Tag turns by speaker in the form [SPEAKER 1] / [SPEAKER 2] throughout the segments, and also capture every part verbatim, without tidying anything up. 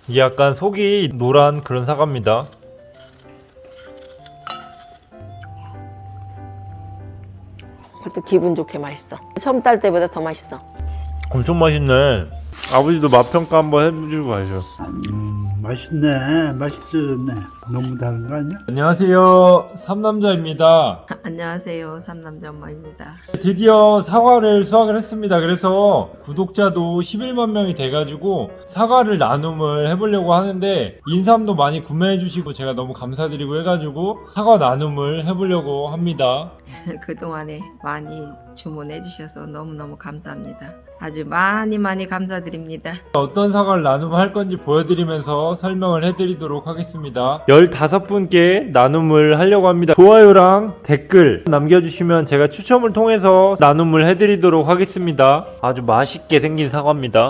[SPEAKER 1] 이게 약간 속이 노란 그런 사과입니다.
[SPEAKER 2] 그것도 기분 좋게 맛있어. 처음 딸 때보다 더 맛있어.
[SPEAKER 1] 엄청 맛있네. 아버지도 맛평가 한번 해주고 가야죠.
[SPEAKER 3] 음, 맛있네. 맛있어졌네. 너무 다른 거 아니야?
[SPEAKER 1] 안녕하세요, 삼남자입니다.
[SPEAKER 2] 안녕하세요, 삼남자 엄마입니다.
[SPEAKER 1] 드디어 사과를 수확을 했습니다. 그래서 구독자도 십일만 명이 돼가지고 사과를 나눔을 해보려고 하는데 인삼도 많이 구매해주시고 제가 너무 감사드리고 해가지고 사과 나눔을 해보려고 합니다.
[SPEAKER 4] 그동안에 많이 주문해 주셔서 너무너무 감사합니다. 아주 많이 많이 감사드립니다.
[SPEAKER 1] 어떤 사과를 나눔을 할 건지 보여드리면서 설명을 해드리도록 하겠습니다. 열다섯 분께 나눔을 하려고 합니다. 좋아요랑 댓글 남겨주시면 제가 추첨을 통해서 나눔을 해드리도록 하겠습니다. 아주 맛있게 생긴 사과입니다.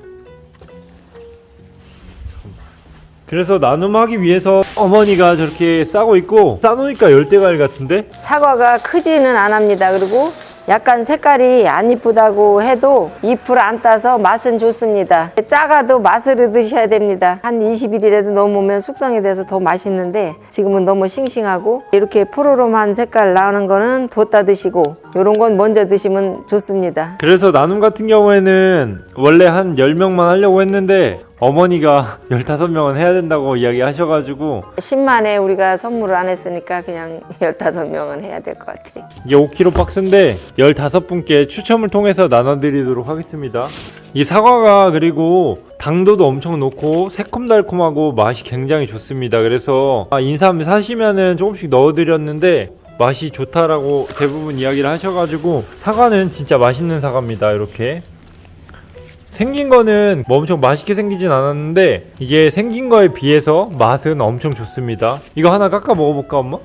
[SPEAKER 1] 그래서 나눔하기 위해서 어머니가 저렇게 싸고 있고, 싸놓으니까 열대과일 같은데?
[SPEAKER 2] 사과가 크지는 않합니다. 그리고 약간 색깔이 안 이쁘다고 해도 잎을 안 따서 맛은 좋습니다. 작아도 맛을 드셔야 됩니다. 한 이십 일이라도 넘으면 숙성이 돼서 더 맛있는데 지금은 너무 싱싱하고 이렇게 푸르름한 색깔 나오는 거는 뒀다 드시고 이런 건 먼저 드시면 좋습니다.
[SPEAKER 1] 그래서 나눔 같은 경우에는 원래 한 열 명만 하려고 했는데 어머니가 열다섯 명은 해야 된다고 이야기 하셔가지고
[SPEAKER 2] 십만에 우리가 선물을 안 했으니까 그냥 열다섯 명은 해야 될 것 같아요.
[SPEAKER 1] 이게 오 킬로그램 박스인데 열다섯 분께 추첨을 통해서 나눠드리도록 하겠습니다. 이 사과가 그리고 당도도 엄청 높고 새콤달콤하고 맛이 굉장히 좋습니다. 그래서 인삼 사시면은 조금씩 넣어드렸는데 맛이 좋다라고 대부분 이야기를 하셔가지고 사과는 진짜 맛있는 사과입니다. 이렇게 생긴 거는 뭐 엄청 맛있게 생기진 않았는데 이게 생긴 거에 비해서 맛은 엄청 좋습니다. 이거 하나 깎아 먹어볼까 엄마?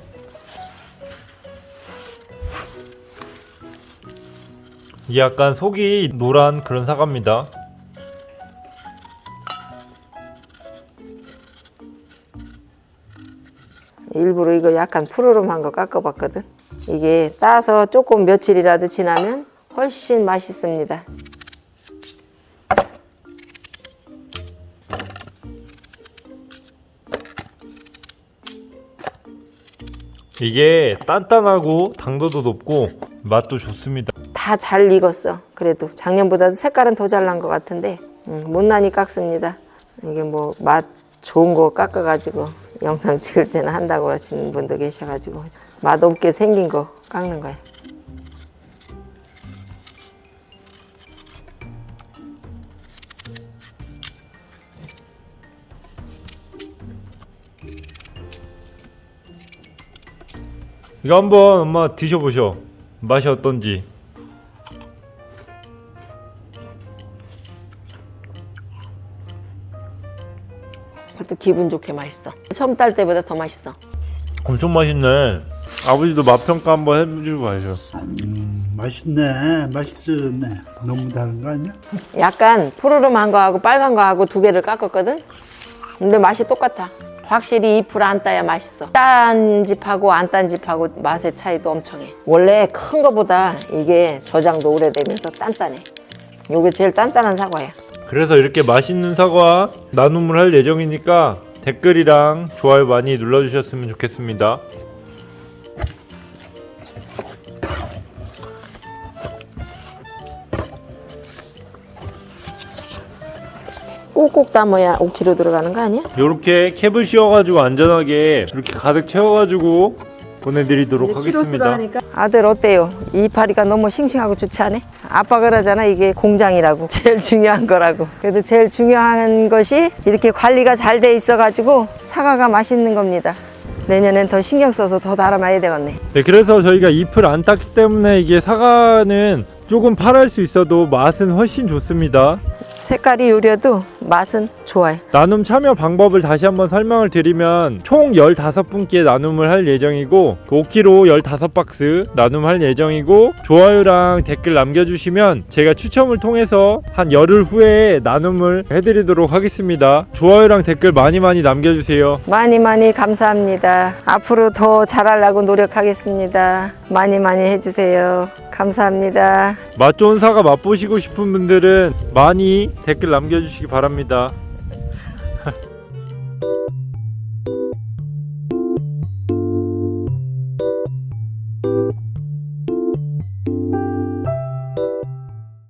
[SPEAKER 1] 이게 약간 속이 노란 그런 사과입니다.
[SPEAKER 2] 일부러 이거 약간 푸르름한 거 깎아봤거든. 이게 따서 조금 며칠이라도 지나면 훨씬 맛있습니다.
[SPEAKER 1] 이게 단단하고 당도도 높고 맛도 좋습니다.
[SPEAKER 2] 다 잘 익었어. 그래도 작년보다도 색깔은 더 잘 난 것 같은데 음, 못난이 깎습니다. 이게 뭐 맛 좋은 거 깎아가지고 영상 찍을 때는 한다고 하시는 분도 계셔가지고 맛 없게 생긴 거 깎는 거예요.
[SPEAKER 1] 이거 한번 엄마 드셔보셔. 맛이 어떤지.
[SPEAKER 2] 그것도 기분 좋게 맛있어. 처음 딸 때보다 더 맛있어.
[SPEAKER 1] 엄청 맛있네. 아버지도 맛평가 한번 해주고 가야죠.
[SPEAKER 3] 음, 맛있네. 맛있어졌네. 너무 다른 거 아니야?
[SPEAKER 2] 약간 푸르름한 거하고 빨간 거하고 두 개를 깎았거든. 근데 맛이 똑같아. 확실히 잎을 안 따야 맛있어. 딴 집하고 안 딴 집하고 맛의 차이도 엄청 해. 원래 큰 거보다 이게 저장도 오래되면서 단단해. 이게 제일 단단한 사과야.
[SPEAKER 1] 그래서 이렇게 맛있는 사과 나눔을 할 예정이니까 댓글이랑 좋아요 많이 눌러주셨으면 좋겠습니다.
[SPEAKER 2] 꼭꼭 담아야 오 킬로그램 들어가는 거 아니야?
[SPEAKER 1] 요렇게 캡을 씌워가지고 안전하게 이렇게 가득 채워가지고 보내드리도록 하겠습니다.
[SPEAKER 2] 아들 어때요? 이파리가 너무 싱싱하고 좋지 않아? 아빠 그러잖아, 이게 공장이라고. 제일 중요한 거라고. 그래도 제일 중요한 것이 이렇게 관리가 잘 돼 있어가지고 사과가 맛있는 겁니다. 내년엔 더 신경 써서 더 달아놔야 되겠네.
[SPEAKER 1] 네, 그래서 저희가 잎을 안 땄기 때문에 이게 사과는 조금 파랄 수 있어도 맛은 훨씬 좋습니다.
[SPEAKER 2] 색깔이 요려도 맛은 좋아요.
[SPEAKER 1] 나눔 참여 방법을 다시 한번 설명을 드리면 총 열다섯 분께 나눔을 할 예정이고 오 킬로그램 열다섯 박스 나눔할 예정이고 좋아요랑 댓글 남겨주시면 제가 추첨을 통해서 한 열흘 후에 나눔을 해드리도록 하겠습니다. 좋아요랑 댓글 많이 많이 남겨주세요.
[SPEAKER 2] 많이 많이 감사합니다. 앞으로 더 잘하려고 노력하겠습니다. 많이 많이 해주세요. 감사합니다.
[SPEAKER 1] 맛 좋은 사과 맛보시고 싶은 분들은 많이 댓글 남겨주시기 바랍니다.